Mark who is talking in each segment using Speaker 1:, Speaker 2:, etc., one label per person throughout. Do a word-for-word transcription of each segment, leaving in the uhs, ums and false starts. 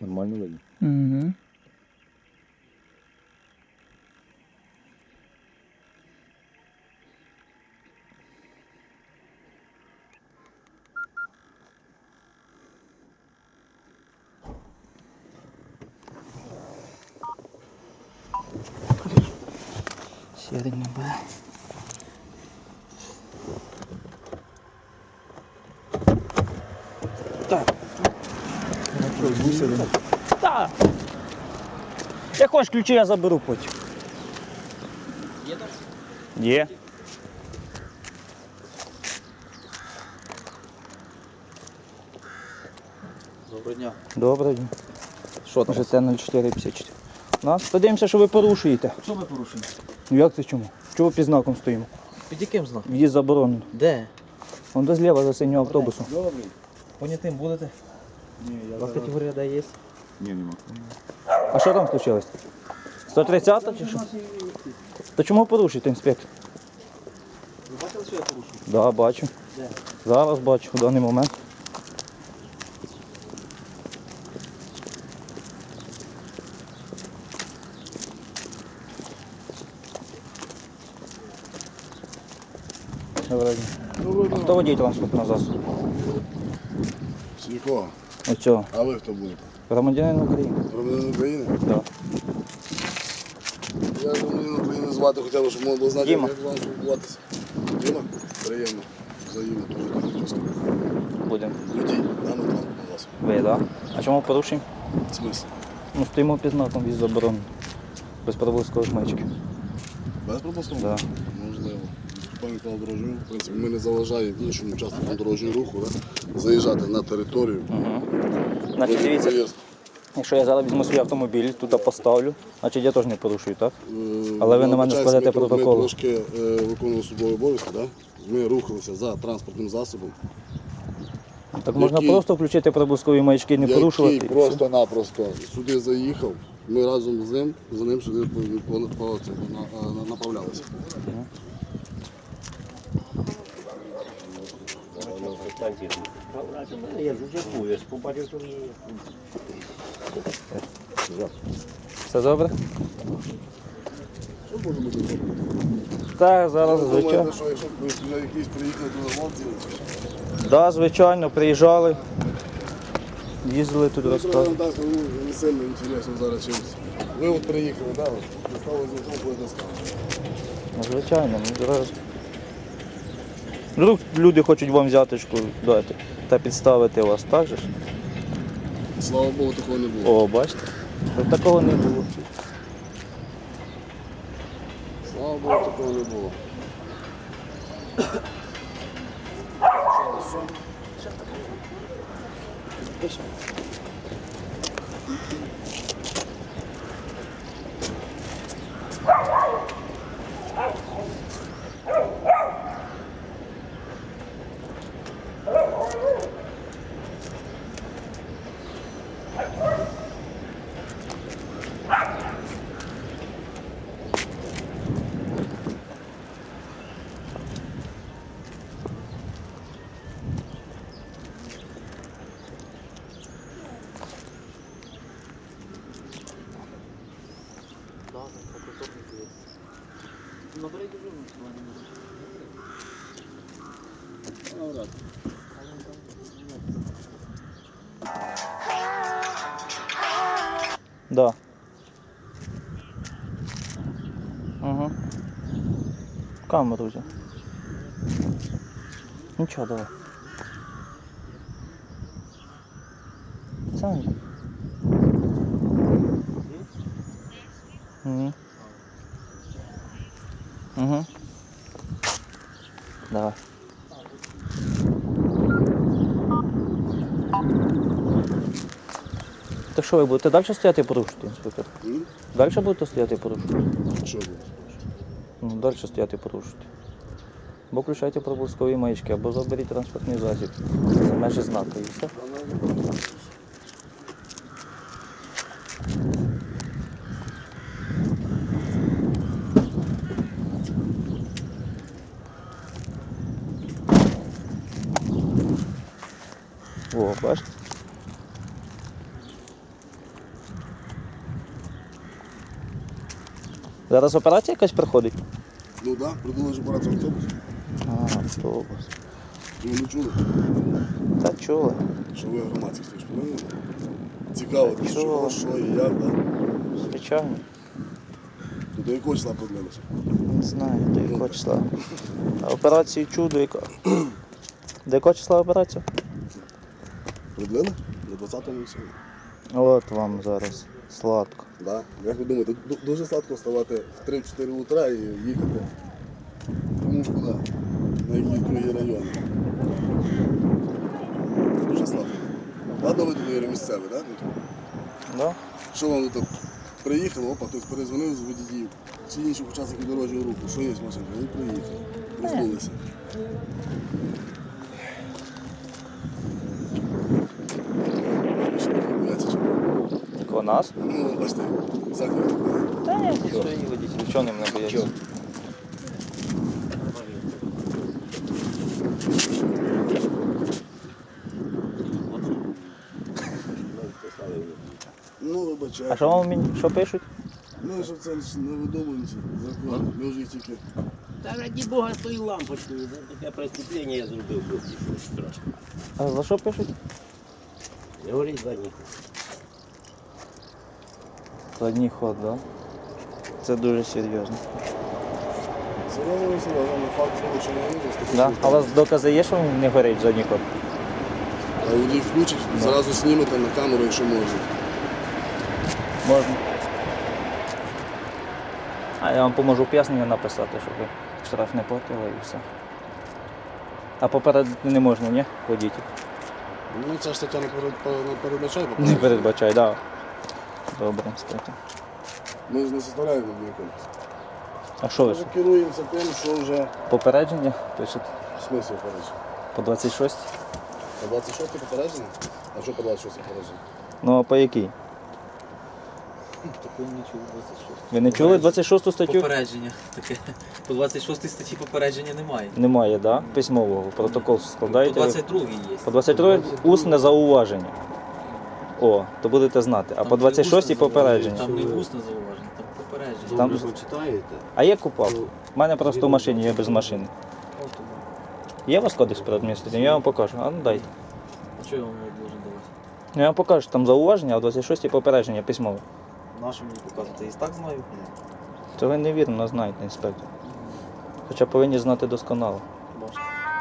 Speaker 1: Нормально видно.
Speaker 2: Угу. Сірий не бере. Так. Так. Як хочеш ключі, я заберу потім.
Speaker 3: Є так?
Speaker 2: Є.
Speaker 3: Доброго дня.
Speaker 2: Добре.
Speaker 3: Що там?
Speaker 2: ЖТ нуль чотири п'ятдесят чотири. Нас подивимося, що ви порушуєте.
Speaker 3: Що ми порушуємо?
Speaker 2: Ну як це чому? Чого під знаком стоїмо?
Speaker 3: Під яким знаком?
Speaker 2: В'їзд заборонено.
Speaker 3: Де?
Speaker 2: Вон до зліва за синього автобусу.
Speaker 1: Добрий.
Speaker 3: Понятим будете?
Speaker 1: Ні, я
Speaker 3: У вас
Speaker 1: зараз...
Speaker 3: категорія Д є?
Speaker 1: Ні, нема.
Speaker 2: А що там случилось? сто тридцята чи що? То чому порушуєте, інспектор?
Speaker 3: Ви бачили, що я порушую?
Speaker 2: Так, да, бачу.
Speaker 3: Де?
Speaker 2: Зараз бачу, в даний момент. Доброго дня. А хто водій транспортного засобу?
Speaker 4: Світло.
Speaker 2: Оцього.
Speaker 4: А ви хто будете?
Speaker 2: Громадянин України.
Speaker 4: Громадянин України?
Speaker 2: Так.
Speaker 4: Я громадянин України звати, хоча б, щоб можна було знати,
Speaker 2: Діма.
Speaker 4: як з вами спілкуватися. Діма? Приємно. Взаємно, дуже так хотів сказати.
Speaker 2: Будемо.
Speaker 4: Водій, даний транспортний засіб.
Speaker 2: Ви, так? А чому порушуємо?
Speaker 4: Смисл?
Speaker 2: Ну, стоїмо під знаком в'їзд заборонено. Без проблискових маячків.
Speaker 4: Без пропускного?
Speaker 2: Да.
Speaker 4: Можливо. Виступаємо по дорожнього руху. В принципі, ми не заважаємо іншим учасникам дорожнього руху да? заїжджати на територію.
Speaker 2: Угу. Значить, дивіться,
Speaker 4: Проїзд.
Speaker 2: якщо я зараз візьму свій автомобіль, тут поставлю, значить я теж не порушую, так?
Speaker 4: Е,
Speaker 2: Але ви на мене
Speaker 4: вибачаюсь,
Speaker 2: складете
Speaker 4: ми-
Speaker 2: протокол.
Speaker 4: Ми трошки е, виконували службові обов'язки, да? Ми рухалися за транспортним засобом,
Speaker 2: Так можна
Speaker 4: Який-
Speaker 2: просто включити проблискові маячки, не порушувати.
Speaker 4: який
Speaker 2: і все.
Speaker 4: просто-напросто сюди заїхав. Ми разом з ним, за ним сюди по, по, по, це, на, на, направлялися.
Speaker 1: Я ж вже був, я ж побачив, що вже...
Speaker 2: Все добре?
Speaker 4: Що може бути добре?
Speaker 2: Так, зараз,
Speaker 4: Ви
Speaker 2: звичайно.
Speaker 4: думаєте, що якщо б ви сюди якісь приїхали до хлопців,
Speaker 2: Так, звичайно, приїжджали, їздили тут
Speaker 4: то
Speaker 2: розказували.
Speaker 4: так, ну, не сильно інтересно зараз чимось. Ви от приїхали, да, от, достали з авто, будете сказати.
Speaker 2: Ну, звичайно, ну зараз. Вдруг люди хочуть вам взяточку дати та підставити вас, так же ж?
Speaker 4: Слава Богу, такого не було.
Speaker 2: О, бачите? Щоб такого не було.
Speaker 4: Слава Богу, такого не було.
Speaker 3: Наберіть дуже.
Speaker 2: Да. Угу. Камеру взяв. Нічого, давай. Сам. Угу. Угу. Давай. Так що ви будете далі стояти і порушити, інспектор?
Speaker 4: М?
Speaker 2: Далі будете стояти і порушити?
Speaker 4: Що було?
Speaker 2: Ну, далі стояти і порушити. Або включайте проблискові маячки, або заберіть транспортний засіб. За межі знака і все. О, бачите? Зараз операція якась проходить?
Speaker 4: Ну так, да, придумали ж операцію автобус.
Speaker 2: А, автобус.
Speaker 4: Ви не чули,
Speaker 2: Та чули.
Speaker 4: що ви громадські ж повинні? Цікаво,
Speaker 2: Так
Speaker 4: що,
Speaker 2: чули.
Speaker 4: що і як, да?
Speaker 2: Звичайно.
Speaker 4: То до якого числа продлилися?
Speaker 2: Не знаю, до якого числа. А операцію чудо яка. До якого числа операція?
Speaker 4: Продлили? До двадцятого і сьогодні.
Speaker 2: От вам зараз сладко.
Speaker 4: Да. Як ви думаєте, ду- дуже сладко вставати в три-чотири утра і їхати кому ж куди, на якісь другі райони. Дуже сладко. Ладно, ви тут місцеві, так? Да?
Speaker 2: Да?
Speaker 4: Що вам тут приїхали, опа, хтось перезвонив з водіїв чи інших учасників дорожнього руху, що є машинка, ви приїхали, проснулися. Що ви бояться чого?
Speaker 2: Такого нас?
Speaker 4: Ну, бачите, захід.
Speaker 2: Та ні, ті свої водителі, чого ним не бояться?
Speaker 4: Ну,
Speaker 2: А
Speaker 4: вибачайте.
Speaker 2: що вам мені що пишуть?
Speaker 4: Ну, що це ж не видумуємося, закон. Ми вже їх тільки.
Speaker 1: Та раді Бога, з тою лампочкою. За таке преступлення я зробив, хлопці, що страшно.
Speaker 2: А за що пишуть?
Speaker 1: Не говоріть за них.
Speaker 2: Задній ход, так? Да? Це дуже серйозно.
Speaker 4: Серйозно, серйозно, ну, факт того, що не вижу.
Speaker 2: Да? А у вас докази є, що він не горить задній ход?
Speaker 4: А водій включить, зразу знімете на камеру, якщо можна.
Speaker 2: Можна. А я вам поможу пояснення написати, щоб ви штраф не платили і все. А попередити не можна, ні? Водітель?
Speaker 4: Ну, ця ж стаття не перед- не передбачає,
Speaker 2: Не
Speaker 4: по-перше.
Speaker 2: передбачай, так. Да. Добре, стаття.
Speaker 4: Ми ж не составляємо якомусь.
Speaker 2: А що
Speaker 4: Ми
Speaker 2: ви?
Speaker 4: ж керуємося тим, що вже
Speaker 2: Попередження пишете?
Speaker 4: в смислі попередження.
Speaker 2: По двадцять шість?
Speaker 4: По двадцять шосте попередження? А що по двадцять шосте попередження?
Speaker 2: Ну а по якій?
Speaker 3: Такого не чув двадцять шість.
Speaker 2: Ви не чули двадцять шосту статтю?
Speaker 3: Попередження таке. По двадцять шостій статті попередження немає.
Speaker 2: Немає, так? Да? Письмового. Протокол
Speaker 3: По
Speaker 2: складаєте.
Speaker 3: двадцять другій є.
Speaker 2: По двадцять другій усне зауваження. О, то будете знати. А
Speaker 3: Там
Speaker 2: по
Speaker 3: не
Speaker 2: двадцять шостій
Speaker 3: усне
Speaker 2: попередження.
Speaker 3: Там не усне зауваження, там попередження.
Speaker 2: Там-
Speaker 1: Ви читаєте?
Speaker 2: А є купав? У мене просто в машині, я без машини. Є у вас кодекс про адміністративне? Я вам покажу. А ну дайте.
Speaker 3: А чого я вам його должен давати?
Speaker 2: Ну, я вам покажу, там зауваження, а в двадцять шостій попередження письмове.
Speaker 3: Нашу мені показувати? Я і так знаю.
Speaker 2: Це ви невірно знаєте, інспектор. Хоча повинні знати досконало.
Speaker 3: Бачите.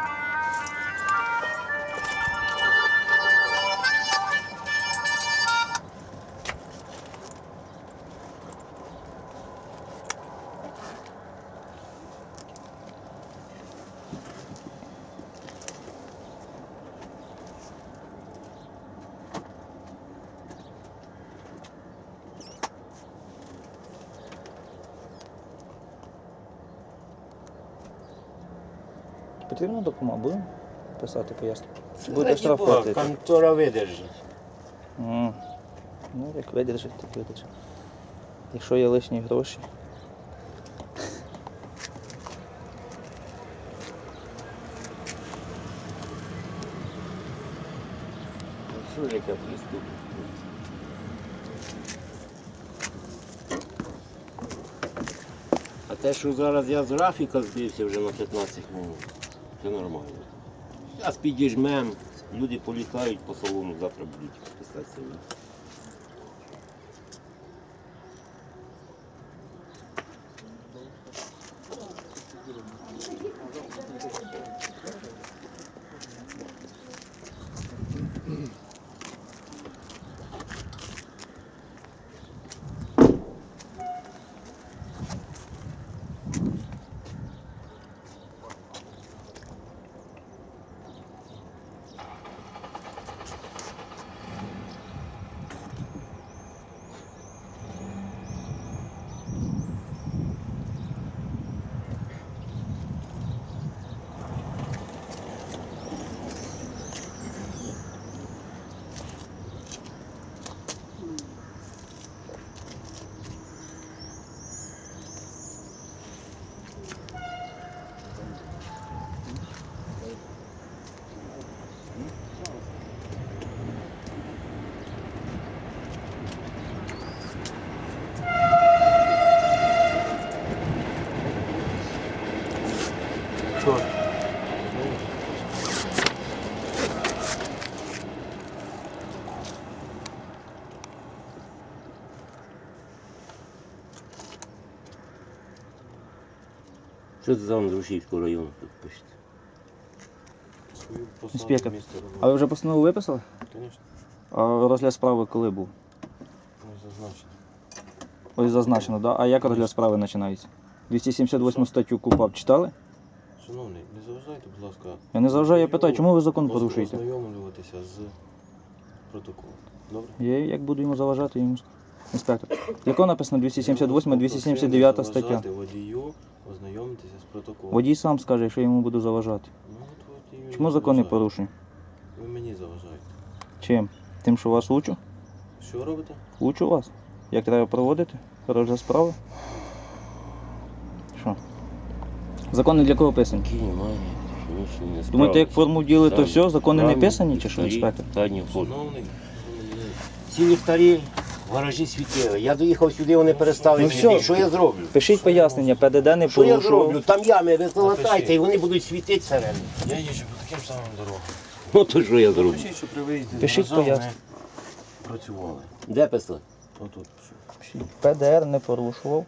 Speaker 2: Потрібна допомога? Будемо писати пояснення? Буде штраф
Speaker 1: Раді Бога,
Speaker 2: платити.
Speaker 1: контора видержить.
Speaker 2: М. Ну, як видержить, так видержить. Якщо є лишні гроші.
Speaker 1: Що ж яке преступлення? А те, що зараз я з графіка збився вже на п'ятнадцять минут, це нормально. Зараз підіжмем, люди політають по салону, завтра будуть писати самі. Що? Що це за Андрушівського району тут пишеться?
Speaker 2: Інспектор. А ви вже постанову виписали?
Speaker 5: Звісно,
Speaker 2: А розгляд справи коли був?
Speaker 5: зазначено.
Speaker 2: Ось зазначено, да? А як розгляд справи починається? двісті сімдесят восьму статтю КУпАП читали?
Speaker 5: Шановний, не заважайте, будь ласка.
Speaker 2: Я не заважаю, я питаю, чому ви закон порушуєте?
Speaker 5: Ознайомлюватися з протоколом. Добре?
Speaker 2: Я як буду йому заважати, йому скажу. Інспектор. Яко написано двісті сімдесят восьма, двісті сімдесят дев'ята стаття?
Speaker 5: Заважати водію, ознайомитися з протоколом.
Speaker 2: Водій сам скаже, якщо я йому буду заважати.
Speaker 5: Ну, от водію
Speaker 2: Чому
Speaker 5: не
Speaker 2: закон не
Speaker 5: заважає.
Speaker 2: порушую?
Speaker 5: Ви мені заважаєте.
Speaker 2: Чим? Тим, що вас учу?
Speaker 5: Що робите?
Speaker 2: Учу вас. Як треба проводити розгляд справи? Що? Закони для кого писані?
Speaker 1: Які немає, технічні не
Speaker 2: Думаєте, як форму вділи, то
Speaker 1: Так.
Speaker 2: все, закони не
Speaker 1: Правильно.
Speaker 2: писані чи що,
Speaker 1: Ліхтарі,
Speaker 2: інспектор?
Speaker 1: Задні входи.
Speaker 5: Шановний,
Speaker 1: Ці ліхтарі в гаражі світили. Я доїхав сюди, вони перестали
Speaker 2: Ну
Speaker 1: світити.
Speaker 2: все.
Speaker 1: Що я зроблю?
Speaker 2: Пишіть пояснення, ПДД не
Speaker 1: Що я
Speaker 2: порушував.
Speaker 1: зроблю? Там ями, ви залатайте,
Speaker 5: Напишіть.
Speaker 1: і вони будуть світити всередині.
Speaker 5: я їжджу по таким самим дорогам.
Speaker 1: Ну то що я зроблю?
Speaker 5: Пишіть, що при виїзді з
Speaker 2: Пишіть
Speaker 5: гаража
Speaker 2: пояснення.
Speaker 5: вони працювали.
Speaker 1: Де писали?
Speaker 5: Отут.
Speaker 2: Пишіть. ПДР не порушував.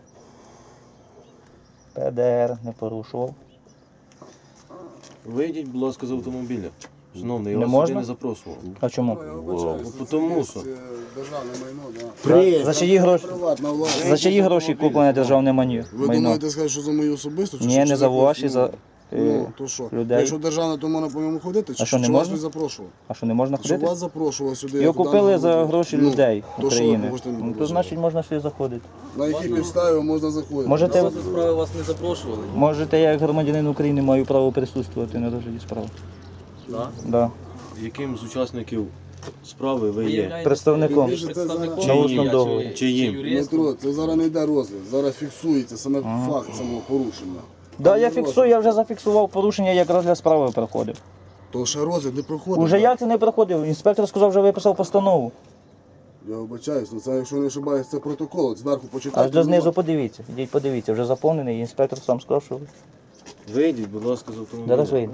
Speaker 2: ПДР не порушував.
Speaker 5: Вийдіть, будь ласка, з автомобіля. Шановний, я
Speaker 2: Не
Speaker 5: вас
Speaker 2: можна?
Speaker 5: сюди не запрошував.
Speaker 2: А чому?
Speaker 4: Я вибачаюсь,
Speaker 5: Ну,
Speaker 4: це
Speaker 5: тому
Speaker 4: є,
Speaker 5: що.
Speaker 4: е, державне майно, да.
Speaker 1: При...
Speaker 2: За чиї гроші?
Speaker 4: Приватна власність.
Speaker 2: За чиї гроші куплене державне мані-
Speaker 4: Ви
Speaker 2: майно?
Speaker 4: думаєте сказати, що за мої особисто? Чи
Speaker 2: Ні,
Speaker 4: що,
Speaker 2: не
Speaker 4: чи
Speaker 2: за ваші,
Speaker 4: когось?
Speaker 2: за
Speaker 4: Ну,
Speaker 2: е,
Speaker 4: то що?
Speaker 2: людей.
Speaker 4: Якщо державне, то можна по ньому ходити? Чи,
Speaker 2: А що, не
Speaker 4: чи вас
Speaker 2: можна?
Speaker 4: не запрошував?
Speaker 2: А що, не можна
Speaker 4: Що
Speaker 2: ходити?
Speaker 4: вас запрошував сюди?
Speaker 2: Його
Speaker 4: як у
Speaker 2: купили
Speaker 4: даному
Speaker 2: за
Speaker 4: випадку?
Speaker 2: гроші
Speaker 4: Ну,
Speaker 2: людей
Speaker 4: то що ви
Speaker 2: України.
Speaker 4: хочете мені
Speaker 2: Ну, то
Speaker 4: предложити?
Speaker 2: значить можна сюди заходити.
Speaker 4: На якій підставі можна заходити?
Speaker 2: Можете,
Speaker 3: Розгляд справи вас не запрошували.
Speaker 2: можете, я як громадянин України маю право присутствувати на розгляді справи.
Speaker 3: Да?
Speaker 2: Да.
Speaker 5: Яким з учасників справи ви
Speaker 3: Ви
Speaker 5: є?
Speaker 3: являєтесь
Speaker 2: Представником.
Speaker 3: представником
Speaker 2: На
Speaker 3: чи
Speaker 2: усному
Speaker 3: ні,
Speaker 2: договорі.
Speaker 3: чи-
Speaker 5: Чи їм?
Speaker 3: чи юристом?
Speaker 4: Дмитро, це зараз не йде розгляд, зараз фіксується саме
Speaker 2: Ага.
Speaker 4: факт самого порушення.
Speaker 2: Да, я фіксую, я вже зафіксував порушення, як розгляд справи проходив.
Speaker 4: То ще розгляд не проходить.
Speaker 2: Уже як це не проходив? Інспектор сказав, вже виписав постанову.
Speaker 4: Я вибачаюсь, ну це якщо не ошибаюсь, це протокол, зверху почитайте.
Speaker 2: Аж до знизу подивіться. Ідіть подивіться, вже заповнений, і інспектор сам сказав, що
Speaker 5: Вийдіть, будь ласка, з автомобіля.
Speaker 2: зараз вийде.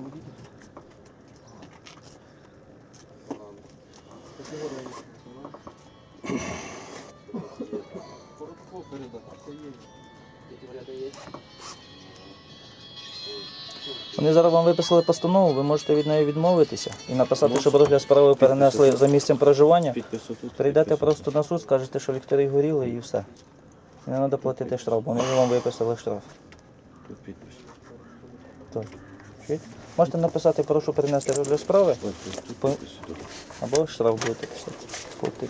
Speaker 2: Вони зараз вам виписали постанову, ви можете від неї відмовитися і написати, щоб розгляд справи перенесли за місцем проживання.
Speaker 5: Підпис отут.
Speaker 2: Прийдете
Speaker 5: підпис
Speaker 2: просто на суд, скажете, що ліхтарі горіли і все. І не треба платити штраф, бо вони вже вам виписали штраф.
Speaker 5: Тут підпис.
Speaker 2: Так. Чуєте? Можете написати, прошу перенести розгляд справи,
Speaker 5: Ось тут, тут
Speaker 2: По-
Speaker 5: підпис. Тут.
Speaker 2: або штраф будете писати. Платити.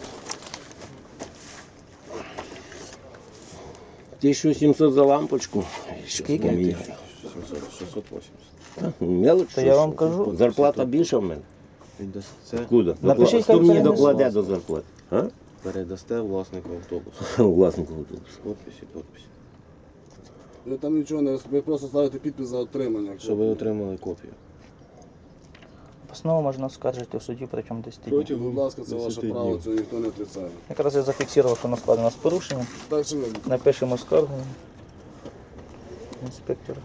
Speaker 1: тисяча сімсот за лампочку.
Speaker 2: Скільки?
Speaker 5: сімсот, шістсот вісімдесят.
Speaker 1: Мелоч,
Speaker 2: То
Speaker 1: що
Speaker 2: я
Speaker 1: ж?
Speaker 2: вам кажу.
Speaker 1: Зарплата більша в мене.
Speaker 5: Віддасте,
Speaker 1: Куди?
Speaker 2: Напишіть,
Speaker 1: Хто
Speaker 2: хай
Speaker 1: мені
Speaker 2: перенесе.
Speaker 1: докладе до зарплати? А?
Speaker 5: передасте власнику автобусу.
Speaker 1: Власнику автобусу.
Speaker 5: Подпис і подпис.
Speaker 4: Ви там нічого не роз- ви просто ставите підпис за отримання.
Speaker 5: Щоб ви отримали копію.
Speaker 2: Постанову можна оскаржити в суді протягом десять днів.
Speaker 4: Будь ласка, це ваше
Speaker 5: десяти
Speaker 4: право,
Speaker 5: днів.
Speaker 4: цього ніхто не отрицає.
Speaker 2: Якраз я зафіксував, що на складі у нас порушення.
Speaker 4: Так чи не?
Speaker 2: Напишемо скаргу. Інспектор.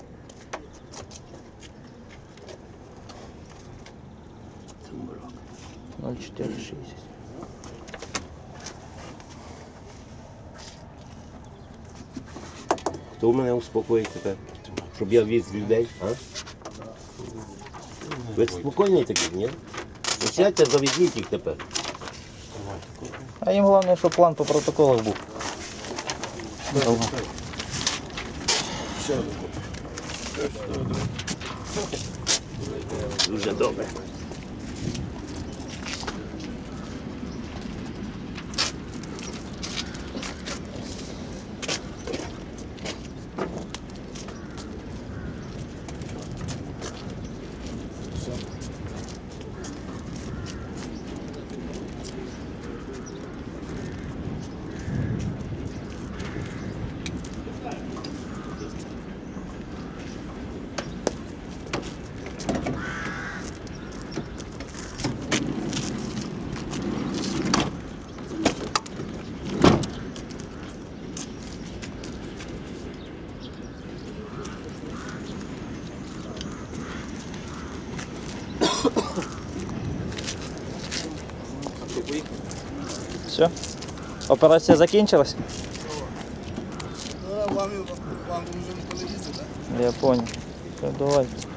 Speaker 2: ноль чотири шістдесят.
Speaker 1: Хто мене успокоїть тепер? Щоб я віз людей, а? Ви спокійний такий, ні? Ну, сядьте, завезіть їх тепер.
Speaker 2: А їм головне, щоб план по протоколах був. Довго.
Speaker 1: Дуже добре.
Speaker 3: Що, поїхали?
Speaker 2: Все. Операція закінчилась?
Speaker 4: Ну, вам, вам вже не телевізор, так?
Speaker 2: Я понял. Все, давай.